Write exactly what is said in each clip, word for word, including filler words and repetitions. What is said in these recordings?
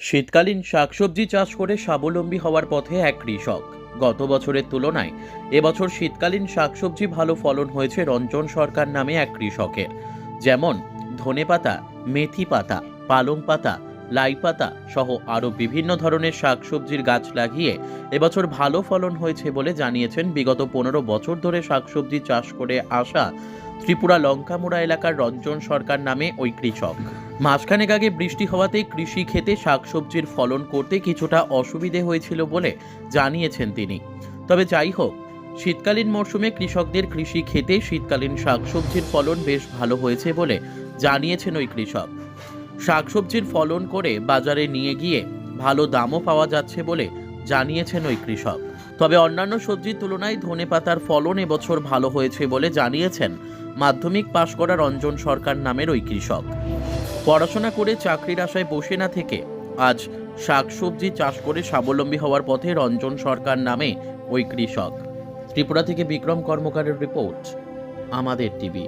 শীতকালীন শাকসবজি চাষ করে স্বাবলম্বী হওয়ার পথে এক কৃষক। গত বছরের তুলনায় এবছর শীতকালীন শাকসবজি ভালো ফলন হয়েছে রঞ্জন সরকার নামে এক কৃষকের। যেমন ধনেপাতা, মেথি পাতা, পালং পাতা, লাই পাতা সহ আরও বিভিন্ন ধরনের শাকসবজির গাছ লাগিয়ে এবছর ভালো ফলন হয়েছে বলে জানিয়েছেন বিগত পনেরো বছর ধরে শাকসবজি চাষ করে আসা ত্রিপুরা লঙ্কামুড়া এলাকার রঞ্জন সরকার নামে ওই কৃষক। মাসখানেক আগে বৃষ্টি হওয়াতে কৃষি ক্ষেতে শাকসবজির ফলন করতে কিছুটা অসুবিধে হয়েছিল বলে জানিয়েছেন তিনি। তবে যাই হোক, শীতকালীন মরশুমে কৃষকদের কৃষি ক্ষেতে শীতকালীন শাকসবজির ফলন বেশ ভালো হয়েছে বলে জানিয়েছেন ওই কৃষক। শাকসবজির ফলন করে বাজারে নিয়ে গিয়ে ভালো দামও পাওয়া যাচ্ছে বলে জানিয়েছেন ওই কৃষক। তবে অন্যান্য সবজির তুলনায় ধনেপাতার ফলন এবছর ভালো হয়েছে বলে জানিয়েছেন মাধ্যমিক পাশ করা রঞ্জন সরকার নামের ওই কৃষক। পড়াশোনা করে চাকরির আশায় বসে না থেকে আজ শাকসবজি চাষ করে স্বাবলম্বী হওয়ার পথে রঞ্জন সরকার নামে ওই কৃষক। ত্রিপুরা থেকে বিক্রম কর্মকারের রিপোর্ট, আমাদের টিভি।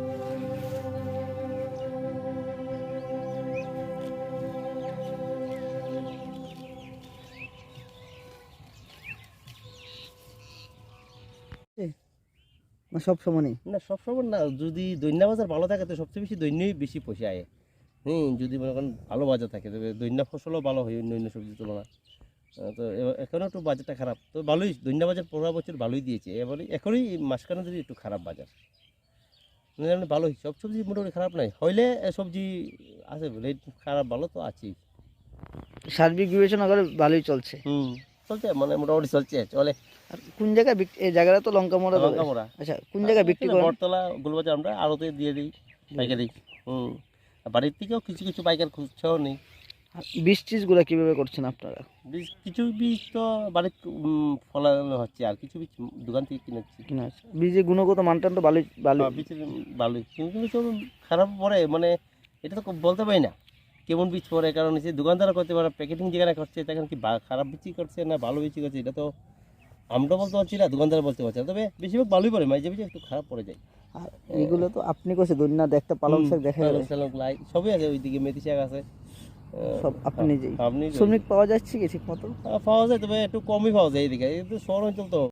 না সব সময় নেই। না সবসময় না, যদি দৈন্যা বাজার ভালো থাকে তো সবচেয়ে বেশি দৈন্যই বেশি পোষায়। হুম, যদি মনে করেন ভালো বাজার থাকে তবে দৈন্যা ফসলও ভালো হয় অন্য অন্য সবজির তুলনায়। আহ, তো এ- এখনও একটু বাজারটা খারাপ, তো ভালোই দৈন্যা বাজার পনেরো বছর ভালোই দিয়েছে। এবারে এখনই মাঝখানে যদি একটু খারাপ বাজার, না জানি ভালোই সব সবজি মোটামুটি খারাপ নাই, হইলে এ সবজি আছে বলে একটু খারাপ ভালো তো আছেই। সার্বিক বিবেচনা করে ভালোই চলছে। হুম, চলছে মানে মোটামুটি চলছে চলে। আর কোন জায়গায় বিক- এই জায়গাটা তো লঙ্কা মোড়া লঙ্কা মোড়া আচ্ছা, কোন জায়গায় বিক্রি করেন? বটতলা গুলবাজার আমরা আড়তে দিয়ে দিই, পাইকারি। হুম, আর বাড়ির থেকেও কিছু কিছু পাইকার খুঁজছেও নেই। আর বীজ টিজগুলো কিভাবে করছেন আপনারা? বীজ কিছু বীজ তো বাড়িতে উম, ফলানো হচ্ছে, আর কিছু বীজ দোকান থেকে কিনেছি। কিনা আছে বীজের গুণগত মানটা তো ভালোই ভালো। হ্যাঁ, বীজের ভালোই, কিন্তু কিছু খারাপ পড়ে, মানে এটা তো বলতে পারি না কেমন বীজ পড়ে, কারণ হচ্ছে দোকানদারা করতে পারে, প্যাকেটিং যেখানে করছে তখন কি বা- খারাপ বীজই করছে না ভালো বীজই করছে, এটা তো আমরা বলতে পারছি না, দোকানদারা বলতে পারছে না। তবে বেশিরভাগ ভালোই পড়ে, মাঝে মাঝে একটু খারাপ পড়ে যায়। আর এগুলো তো আপনি করছে দৈন্য দেখতে পালং শাক দেখা পালং যায়, শাক, লাই সবই আছে, ওইদিকে মেথি শাক আছে। আহ, সব আপনি নিজেই। আপনি শ্রমিক পাওয়া যাচ্ছে কি ঠিক মতো? পাওয়া যায়, তবে একটু কমই পাওয়া যায় এইদিকে, এই তো শহর অঞ্চল তো।